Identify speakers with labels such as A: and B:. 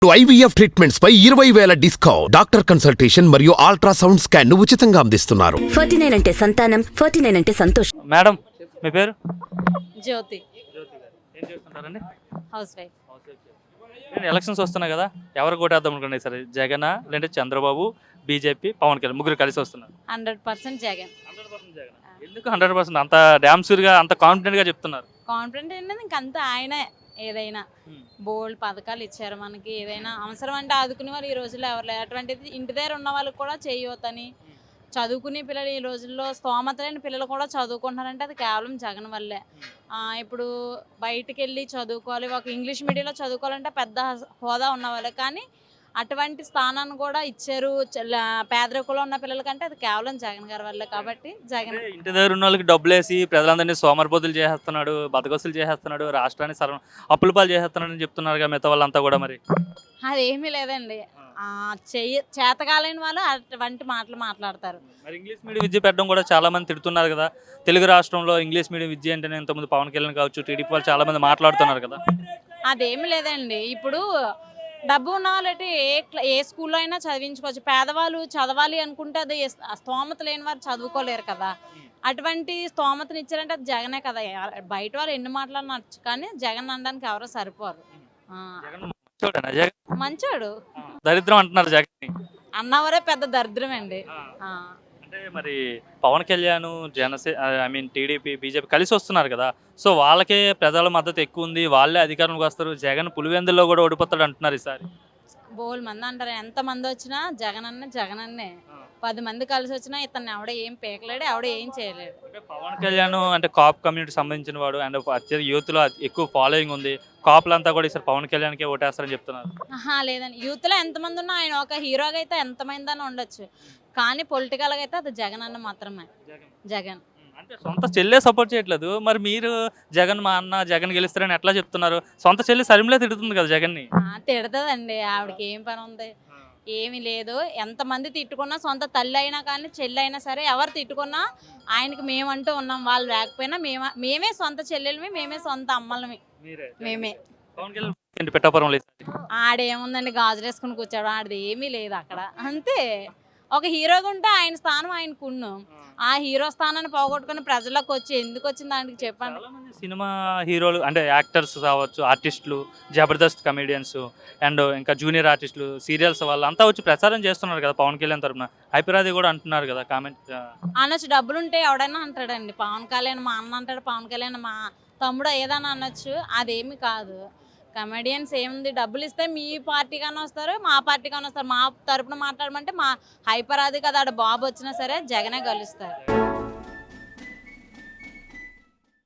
A: IVF treatments పై 20,000 discount. Doctor consultation మరియు ultrasound scan ను ఉచితంగా అందిస్తున్నారు.
B: 49 అంటే సంతానం, 49 అంటే సంతోషం.
C: మేడం మీ పేరు?
D: జ్యోతి.
C: ఏం చేస్తుంటారండి?
D: House wife.
C: ఎలక్షన్స్ వస్తున్నాయి కదా, ఎవరు కొట్టేద్దాం అనుకున్నాయి సరే, జగన్ లేదంటే చంద్రబాబు, బీజేపీ, పవన్ కళ్యాణ్ ముగ్గురు కలిసి వస్తున్నారు.
D: 100% జగన్.
C: 100% జగన్. ఎందుకు 100%? అంత డ్యామ్ గా అంత కాన్ఫిడెంట్ గా చెప్తున్నారు.
D: కాన్ఫిడెంట్ ఏంటంటే ఇంకంతా ఆయనే. ఏదైనా బోల్డ్ పథకాలు ఇచ్చారు మనకి. ఏదైనా అవసరం అంటే ఆదుకునే వాళ్ళు ఈ రోజుల్లో ఎవరు లేరు. అటువంటిది ఇంటి దగ్గర ఉన్న వాళ్ళకి కూడా చేయొద్దని, చదువుకునే పిల్లలు ఈ రోజుల్లో స్తోమత లేని పిల్లలు కూడా చదువుకుంటున్నారంటే అది కేవలం జగన్ వల్లే. ఇప్పుడు బయటికి వెళ్ళి చదువుకోవాలి, ఒక ఇంగ్లీష్ మీడియంలో చదువుకోవాలంటే పెద్ద హోదా ఉన్నవాళ్ళే, కానీ అటువంటి స్థానాన్ని కూడా ఇచ్చారు పేదరికంలో ఉన్న పిల్లలకంటే అది కేవలం జగన్ గారి వల్లే. కాబట్టి జగన్
C: ఇంటి దగ్గర ఉన్న వాళ్ళకి డబ్బులు వేసి ప్రజలందరినీ సోమరిపోతులు చేసేస్తున్నాడు, బతకస్తులు చేసేస్తున్నాడు, రాష్ట్రాన్ని అప్పుల పాలు చేసేస్తున్నాడు అని చెప్తున్నారు మిగతా వాళ్ళంతా కూడా. మరి
D: అదేమీ లేదండి. చేతకాలేని వాళ్ళు అటువంటి మాటలు మాట్లాడతారు.
C: మరి ఇంగ్లీష్ మీడియం విద్య పెట్టడం కూడా చాలా మంది తిడుతున్నారు కదా. తెలుగు రాష్ట్రంలో ఇంగ్లీష్ మీడియం విద్య అంటేనే ఇంతకుముందు పవన్ కళ్యాణ్ కావచ్చు, టీడీపీ వాళ్ళు చాలా మంది మాట్లాడుతున్నారు కదా.
D: అదేమి లేదండి. ఇప్పుడు డబ్బు ఉన్న వాళ్ళకి ఏ స్కూల్లో అయినా చదివించుకోవచ్చు. పేదవాళ్ళు చదవాలి అనుకుంటే అది స్తోమత లేని వారు చదువుకోలేరు కదా. అటువంటి స్తోమతను ఇచ్చారంటే అది జగనే కదా. బయట వాళ్ళు ఎన్ని మాట్లాడినచ్చు, కానీ జగన్ అనడానికి ఎవరో సరిపోరు. మంచోడు.
C: దరిద్రం అంటున్నారు జగన్
D: అన్నవరే పెద్ద దరిద్రం అండి.
C: అంటే మరి పవన్ కళ్యాణ్, టీడీపీ, బీజేపీ కలిసి వస్తున్నారు కదా. సో వాళ్ళకే ప్రజల మద్దతు ఎక్కువ ఉంది, వాళ్ళే అధికారంలోకి వస్తారు. జగన్ పులివెందుల్లో కూడా ఓడిపోతాడు అంటున్నారు ఈసారి.
D: బోల్ మంది అంటారు. ఎంతమంది వచ్చినా జగన్ అన్నే. 10 మంది కలిసి వచ్చినా ఇతన్ని ఎవడ ఏం పీకలేడు, ఎవడ ఏం చేయలేడు.
C: పవన్ కళ్యాణ్ అంటే కాప్ కమ్యూనిటీ సంబంధించిన వాడు అండ్ యూత్ లో ఎక్కువ ఫాలోయింగ్ ఉంది. కాపులంతా కూడా ఈసారి పవన్ కళ్యాణ్కే ఓటేస్తారని చెప్తున్నారు.
D: లేదండి, యూత్ లో ఎంతమంది ఉన్నా ఆయన ఒక హీరోగా అయితే ఎంతమంది అని ఉండొచ్చు, కానీ పొలిటికల్ గా అయితే అది జగన్ అన్న మాత్రమే. జగన్
C: అంటే సొంత చెల్లె సపోర్ట్ చేయట్లేదు. మరి మీరు జగన్ మా అన్న, జగన్ గెలుస్తారని ఎట్లా చెప్తున్నారు? సొంత చెల్లి సరిమిలే తిడుతుంది కదా జగన్ ని.
D: తిడతదండి, ఆవిడకి ఏం పని ఉంది? ఏమీ లేదు. ఎంతమంది తిట్టుకున్నా, సొంత తల్లి అయినా కానీ చెల్లి అయినా సరే, ఎవరు తిట్టుకున్నా ఆయనకి మేమంటూ ఉన్నాం. వాళ్ళు లేకపోయినా మేమే సొంత చెల్లెలమి, మేమే సొంత అమ్మలమి, మేమే. ఆడేముందండి, గాజులు వేసుకుని కూర్చోడు, ఆడది ఏమీ లేదు అక్కడ. అంతే. ఒక హీరోగా ఉంటే ఆయన స్థానం ఆయనకు ఉన్నాం. ఆ హీరో స్థానాన్ని పోగొట్టుకుని ప్రజలకు వచ్చి ఎందుకు వచ్చింది దానికి చెప్పండి.
C: సినిమా హీరోలు అంటే యాక్టర్స్ కావచ్చు, ఆర్టిస్టులు, జబర్దస్త్ కమెడియన్స్ అండ్ ఇంకా జూనియర్ ఆర్టిస్టులు, సీరియల్స్ వాళ్ళు అంతా వచ్చి ప్రచారం చేస్తున్నారు కదా పవన్ కళ్యాణ్ తరఫున. హైపరాది కూడా అంటున్నారు కదా కామెంట్
D: అనొచ్చు. డబ్బులుంటే ఎవడైనా అంటాడండి. పవన్ కళ్యాణ్ మా అన్న అంటాడు, పవన్ కళ్యాణ్ మా తమ్ముడు ఏదైనా అనొచ్చు. అదేమి కాదు. కమెడియన్స్ ఏముంది, డబ్బులు ఇస్తే మీ పార్టీగానే వస్తారు, మా పార్టీగానే వస్తారు. మా తరపున మాట్లాడమంటే మా హైపరాది కదా, ఆడ బాబు వచ్చినా సరే జగనే గెలుస్తారు.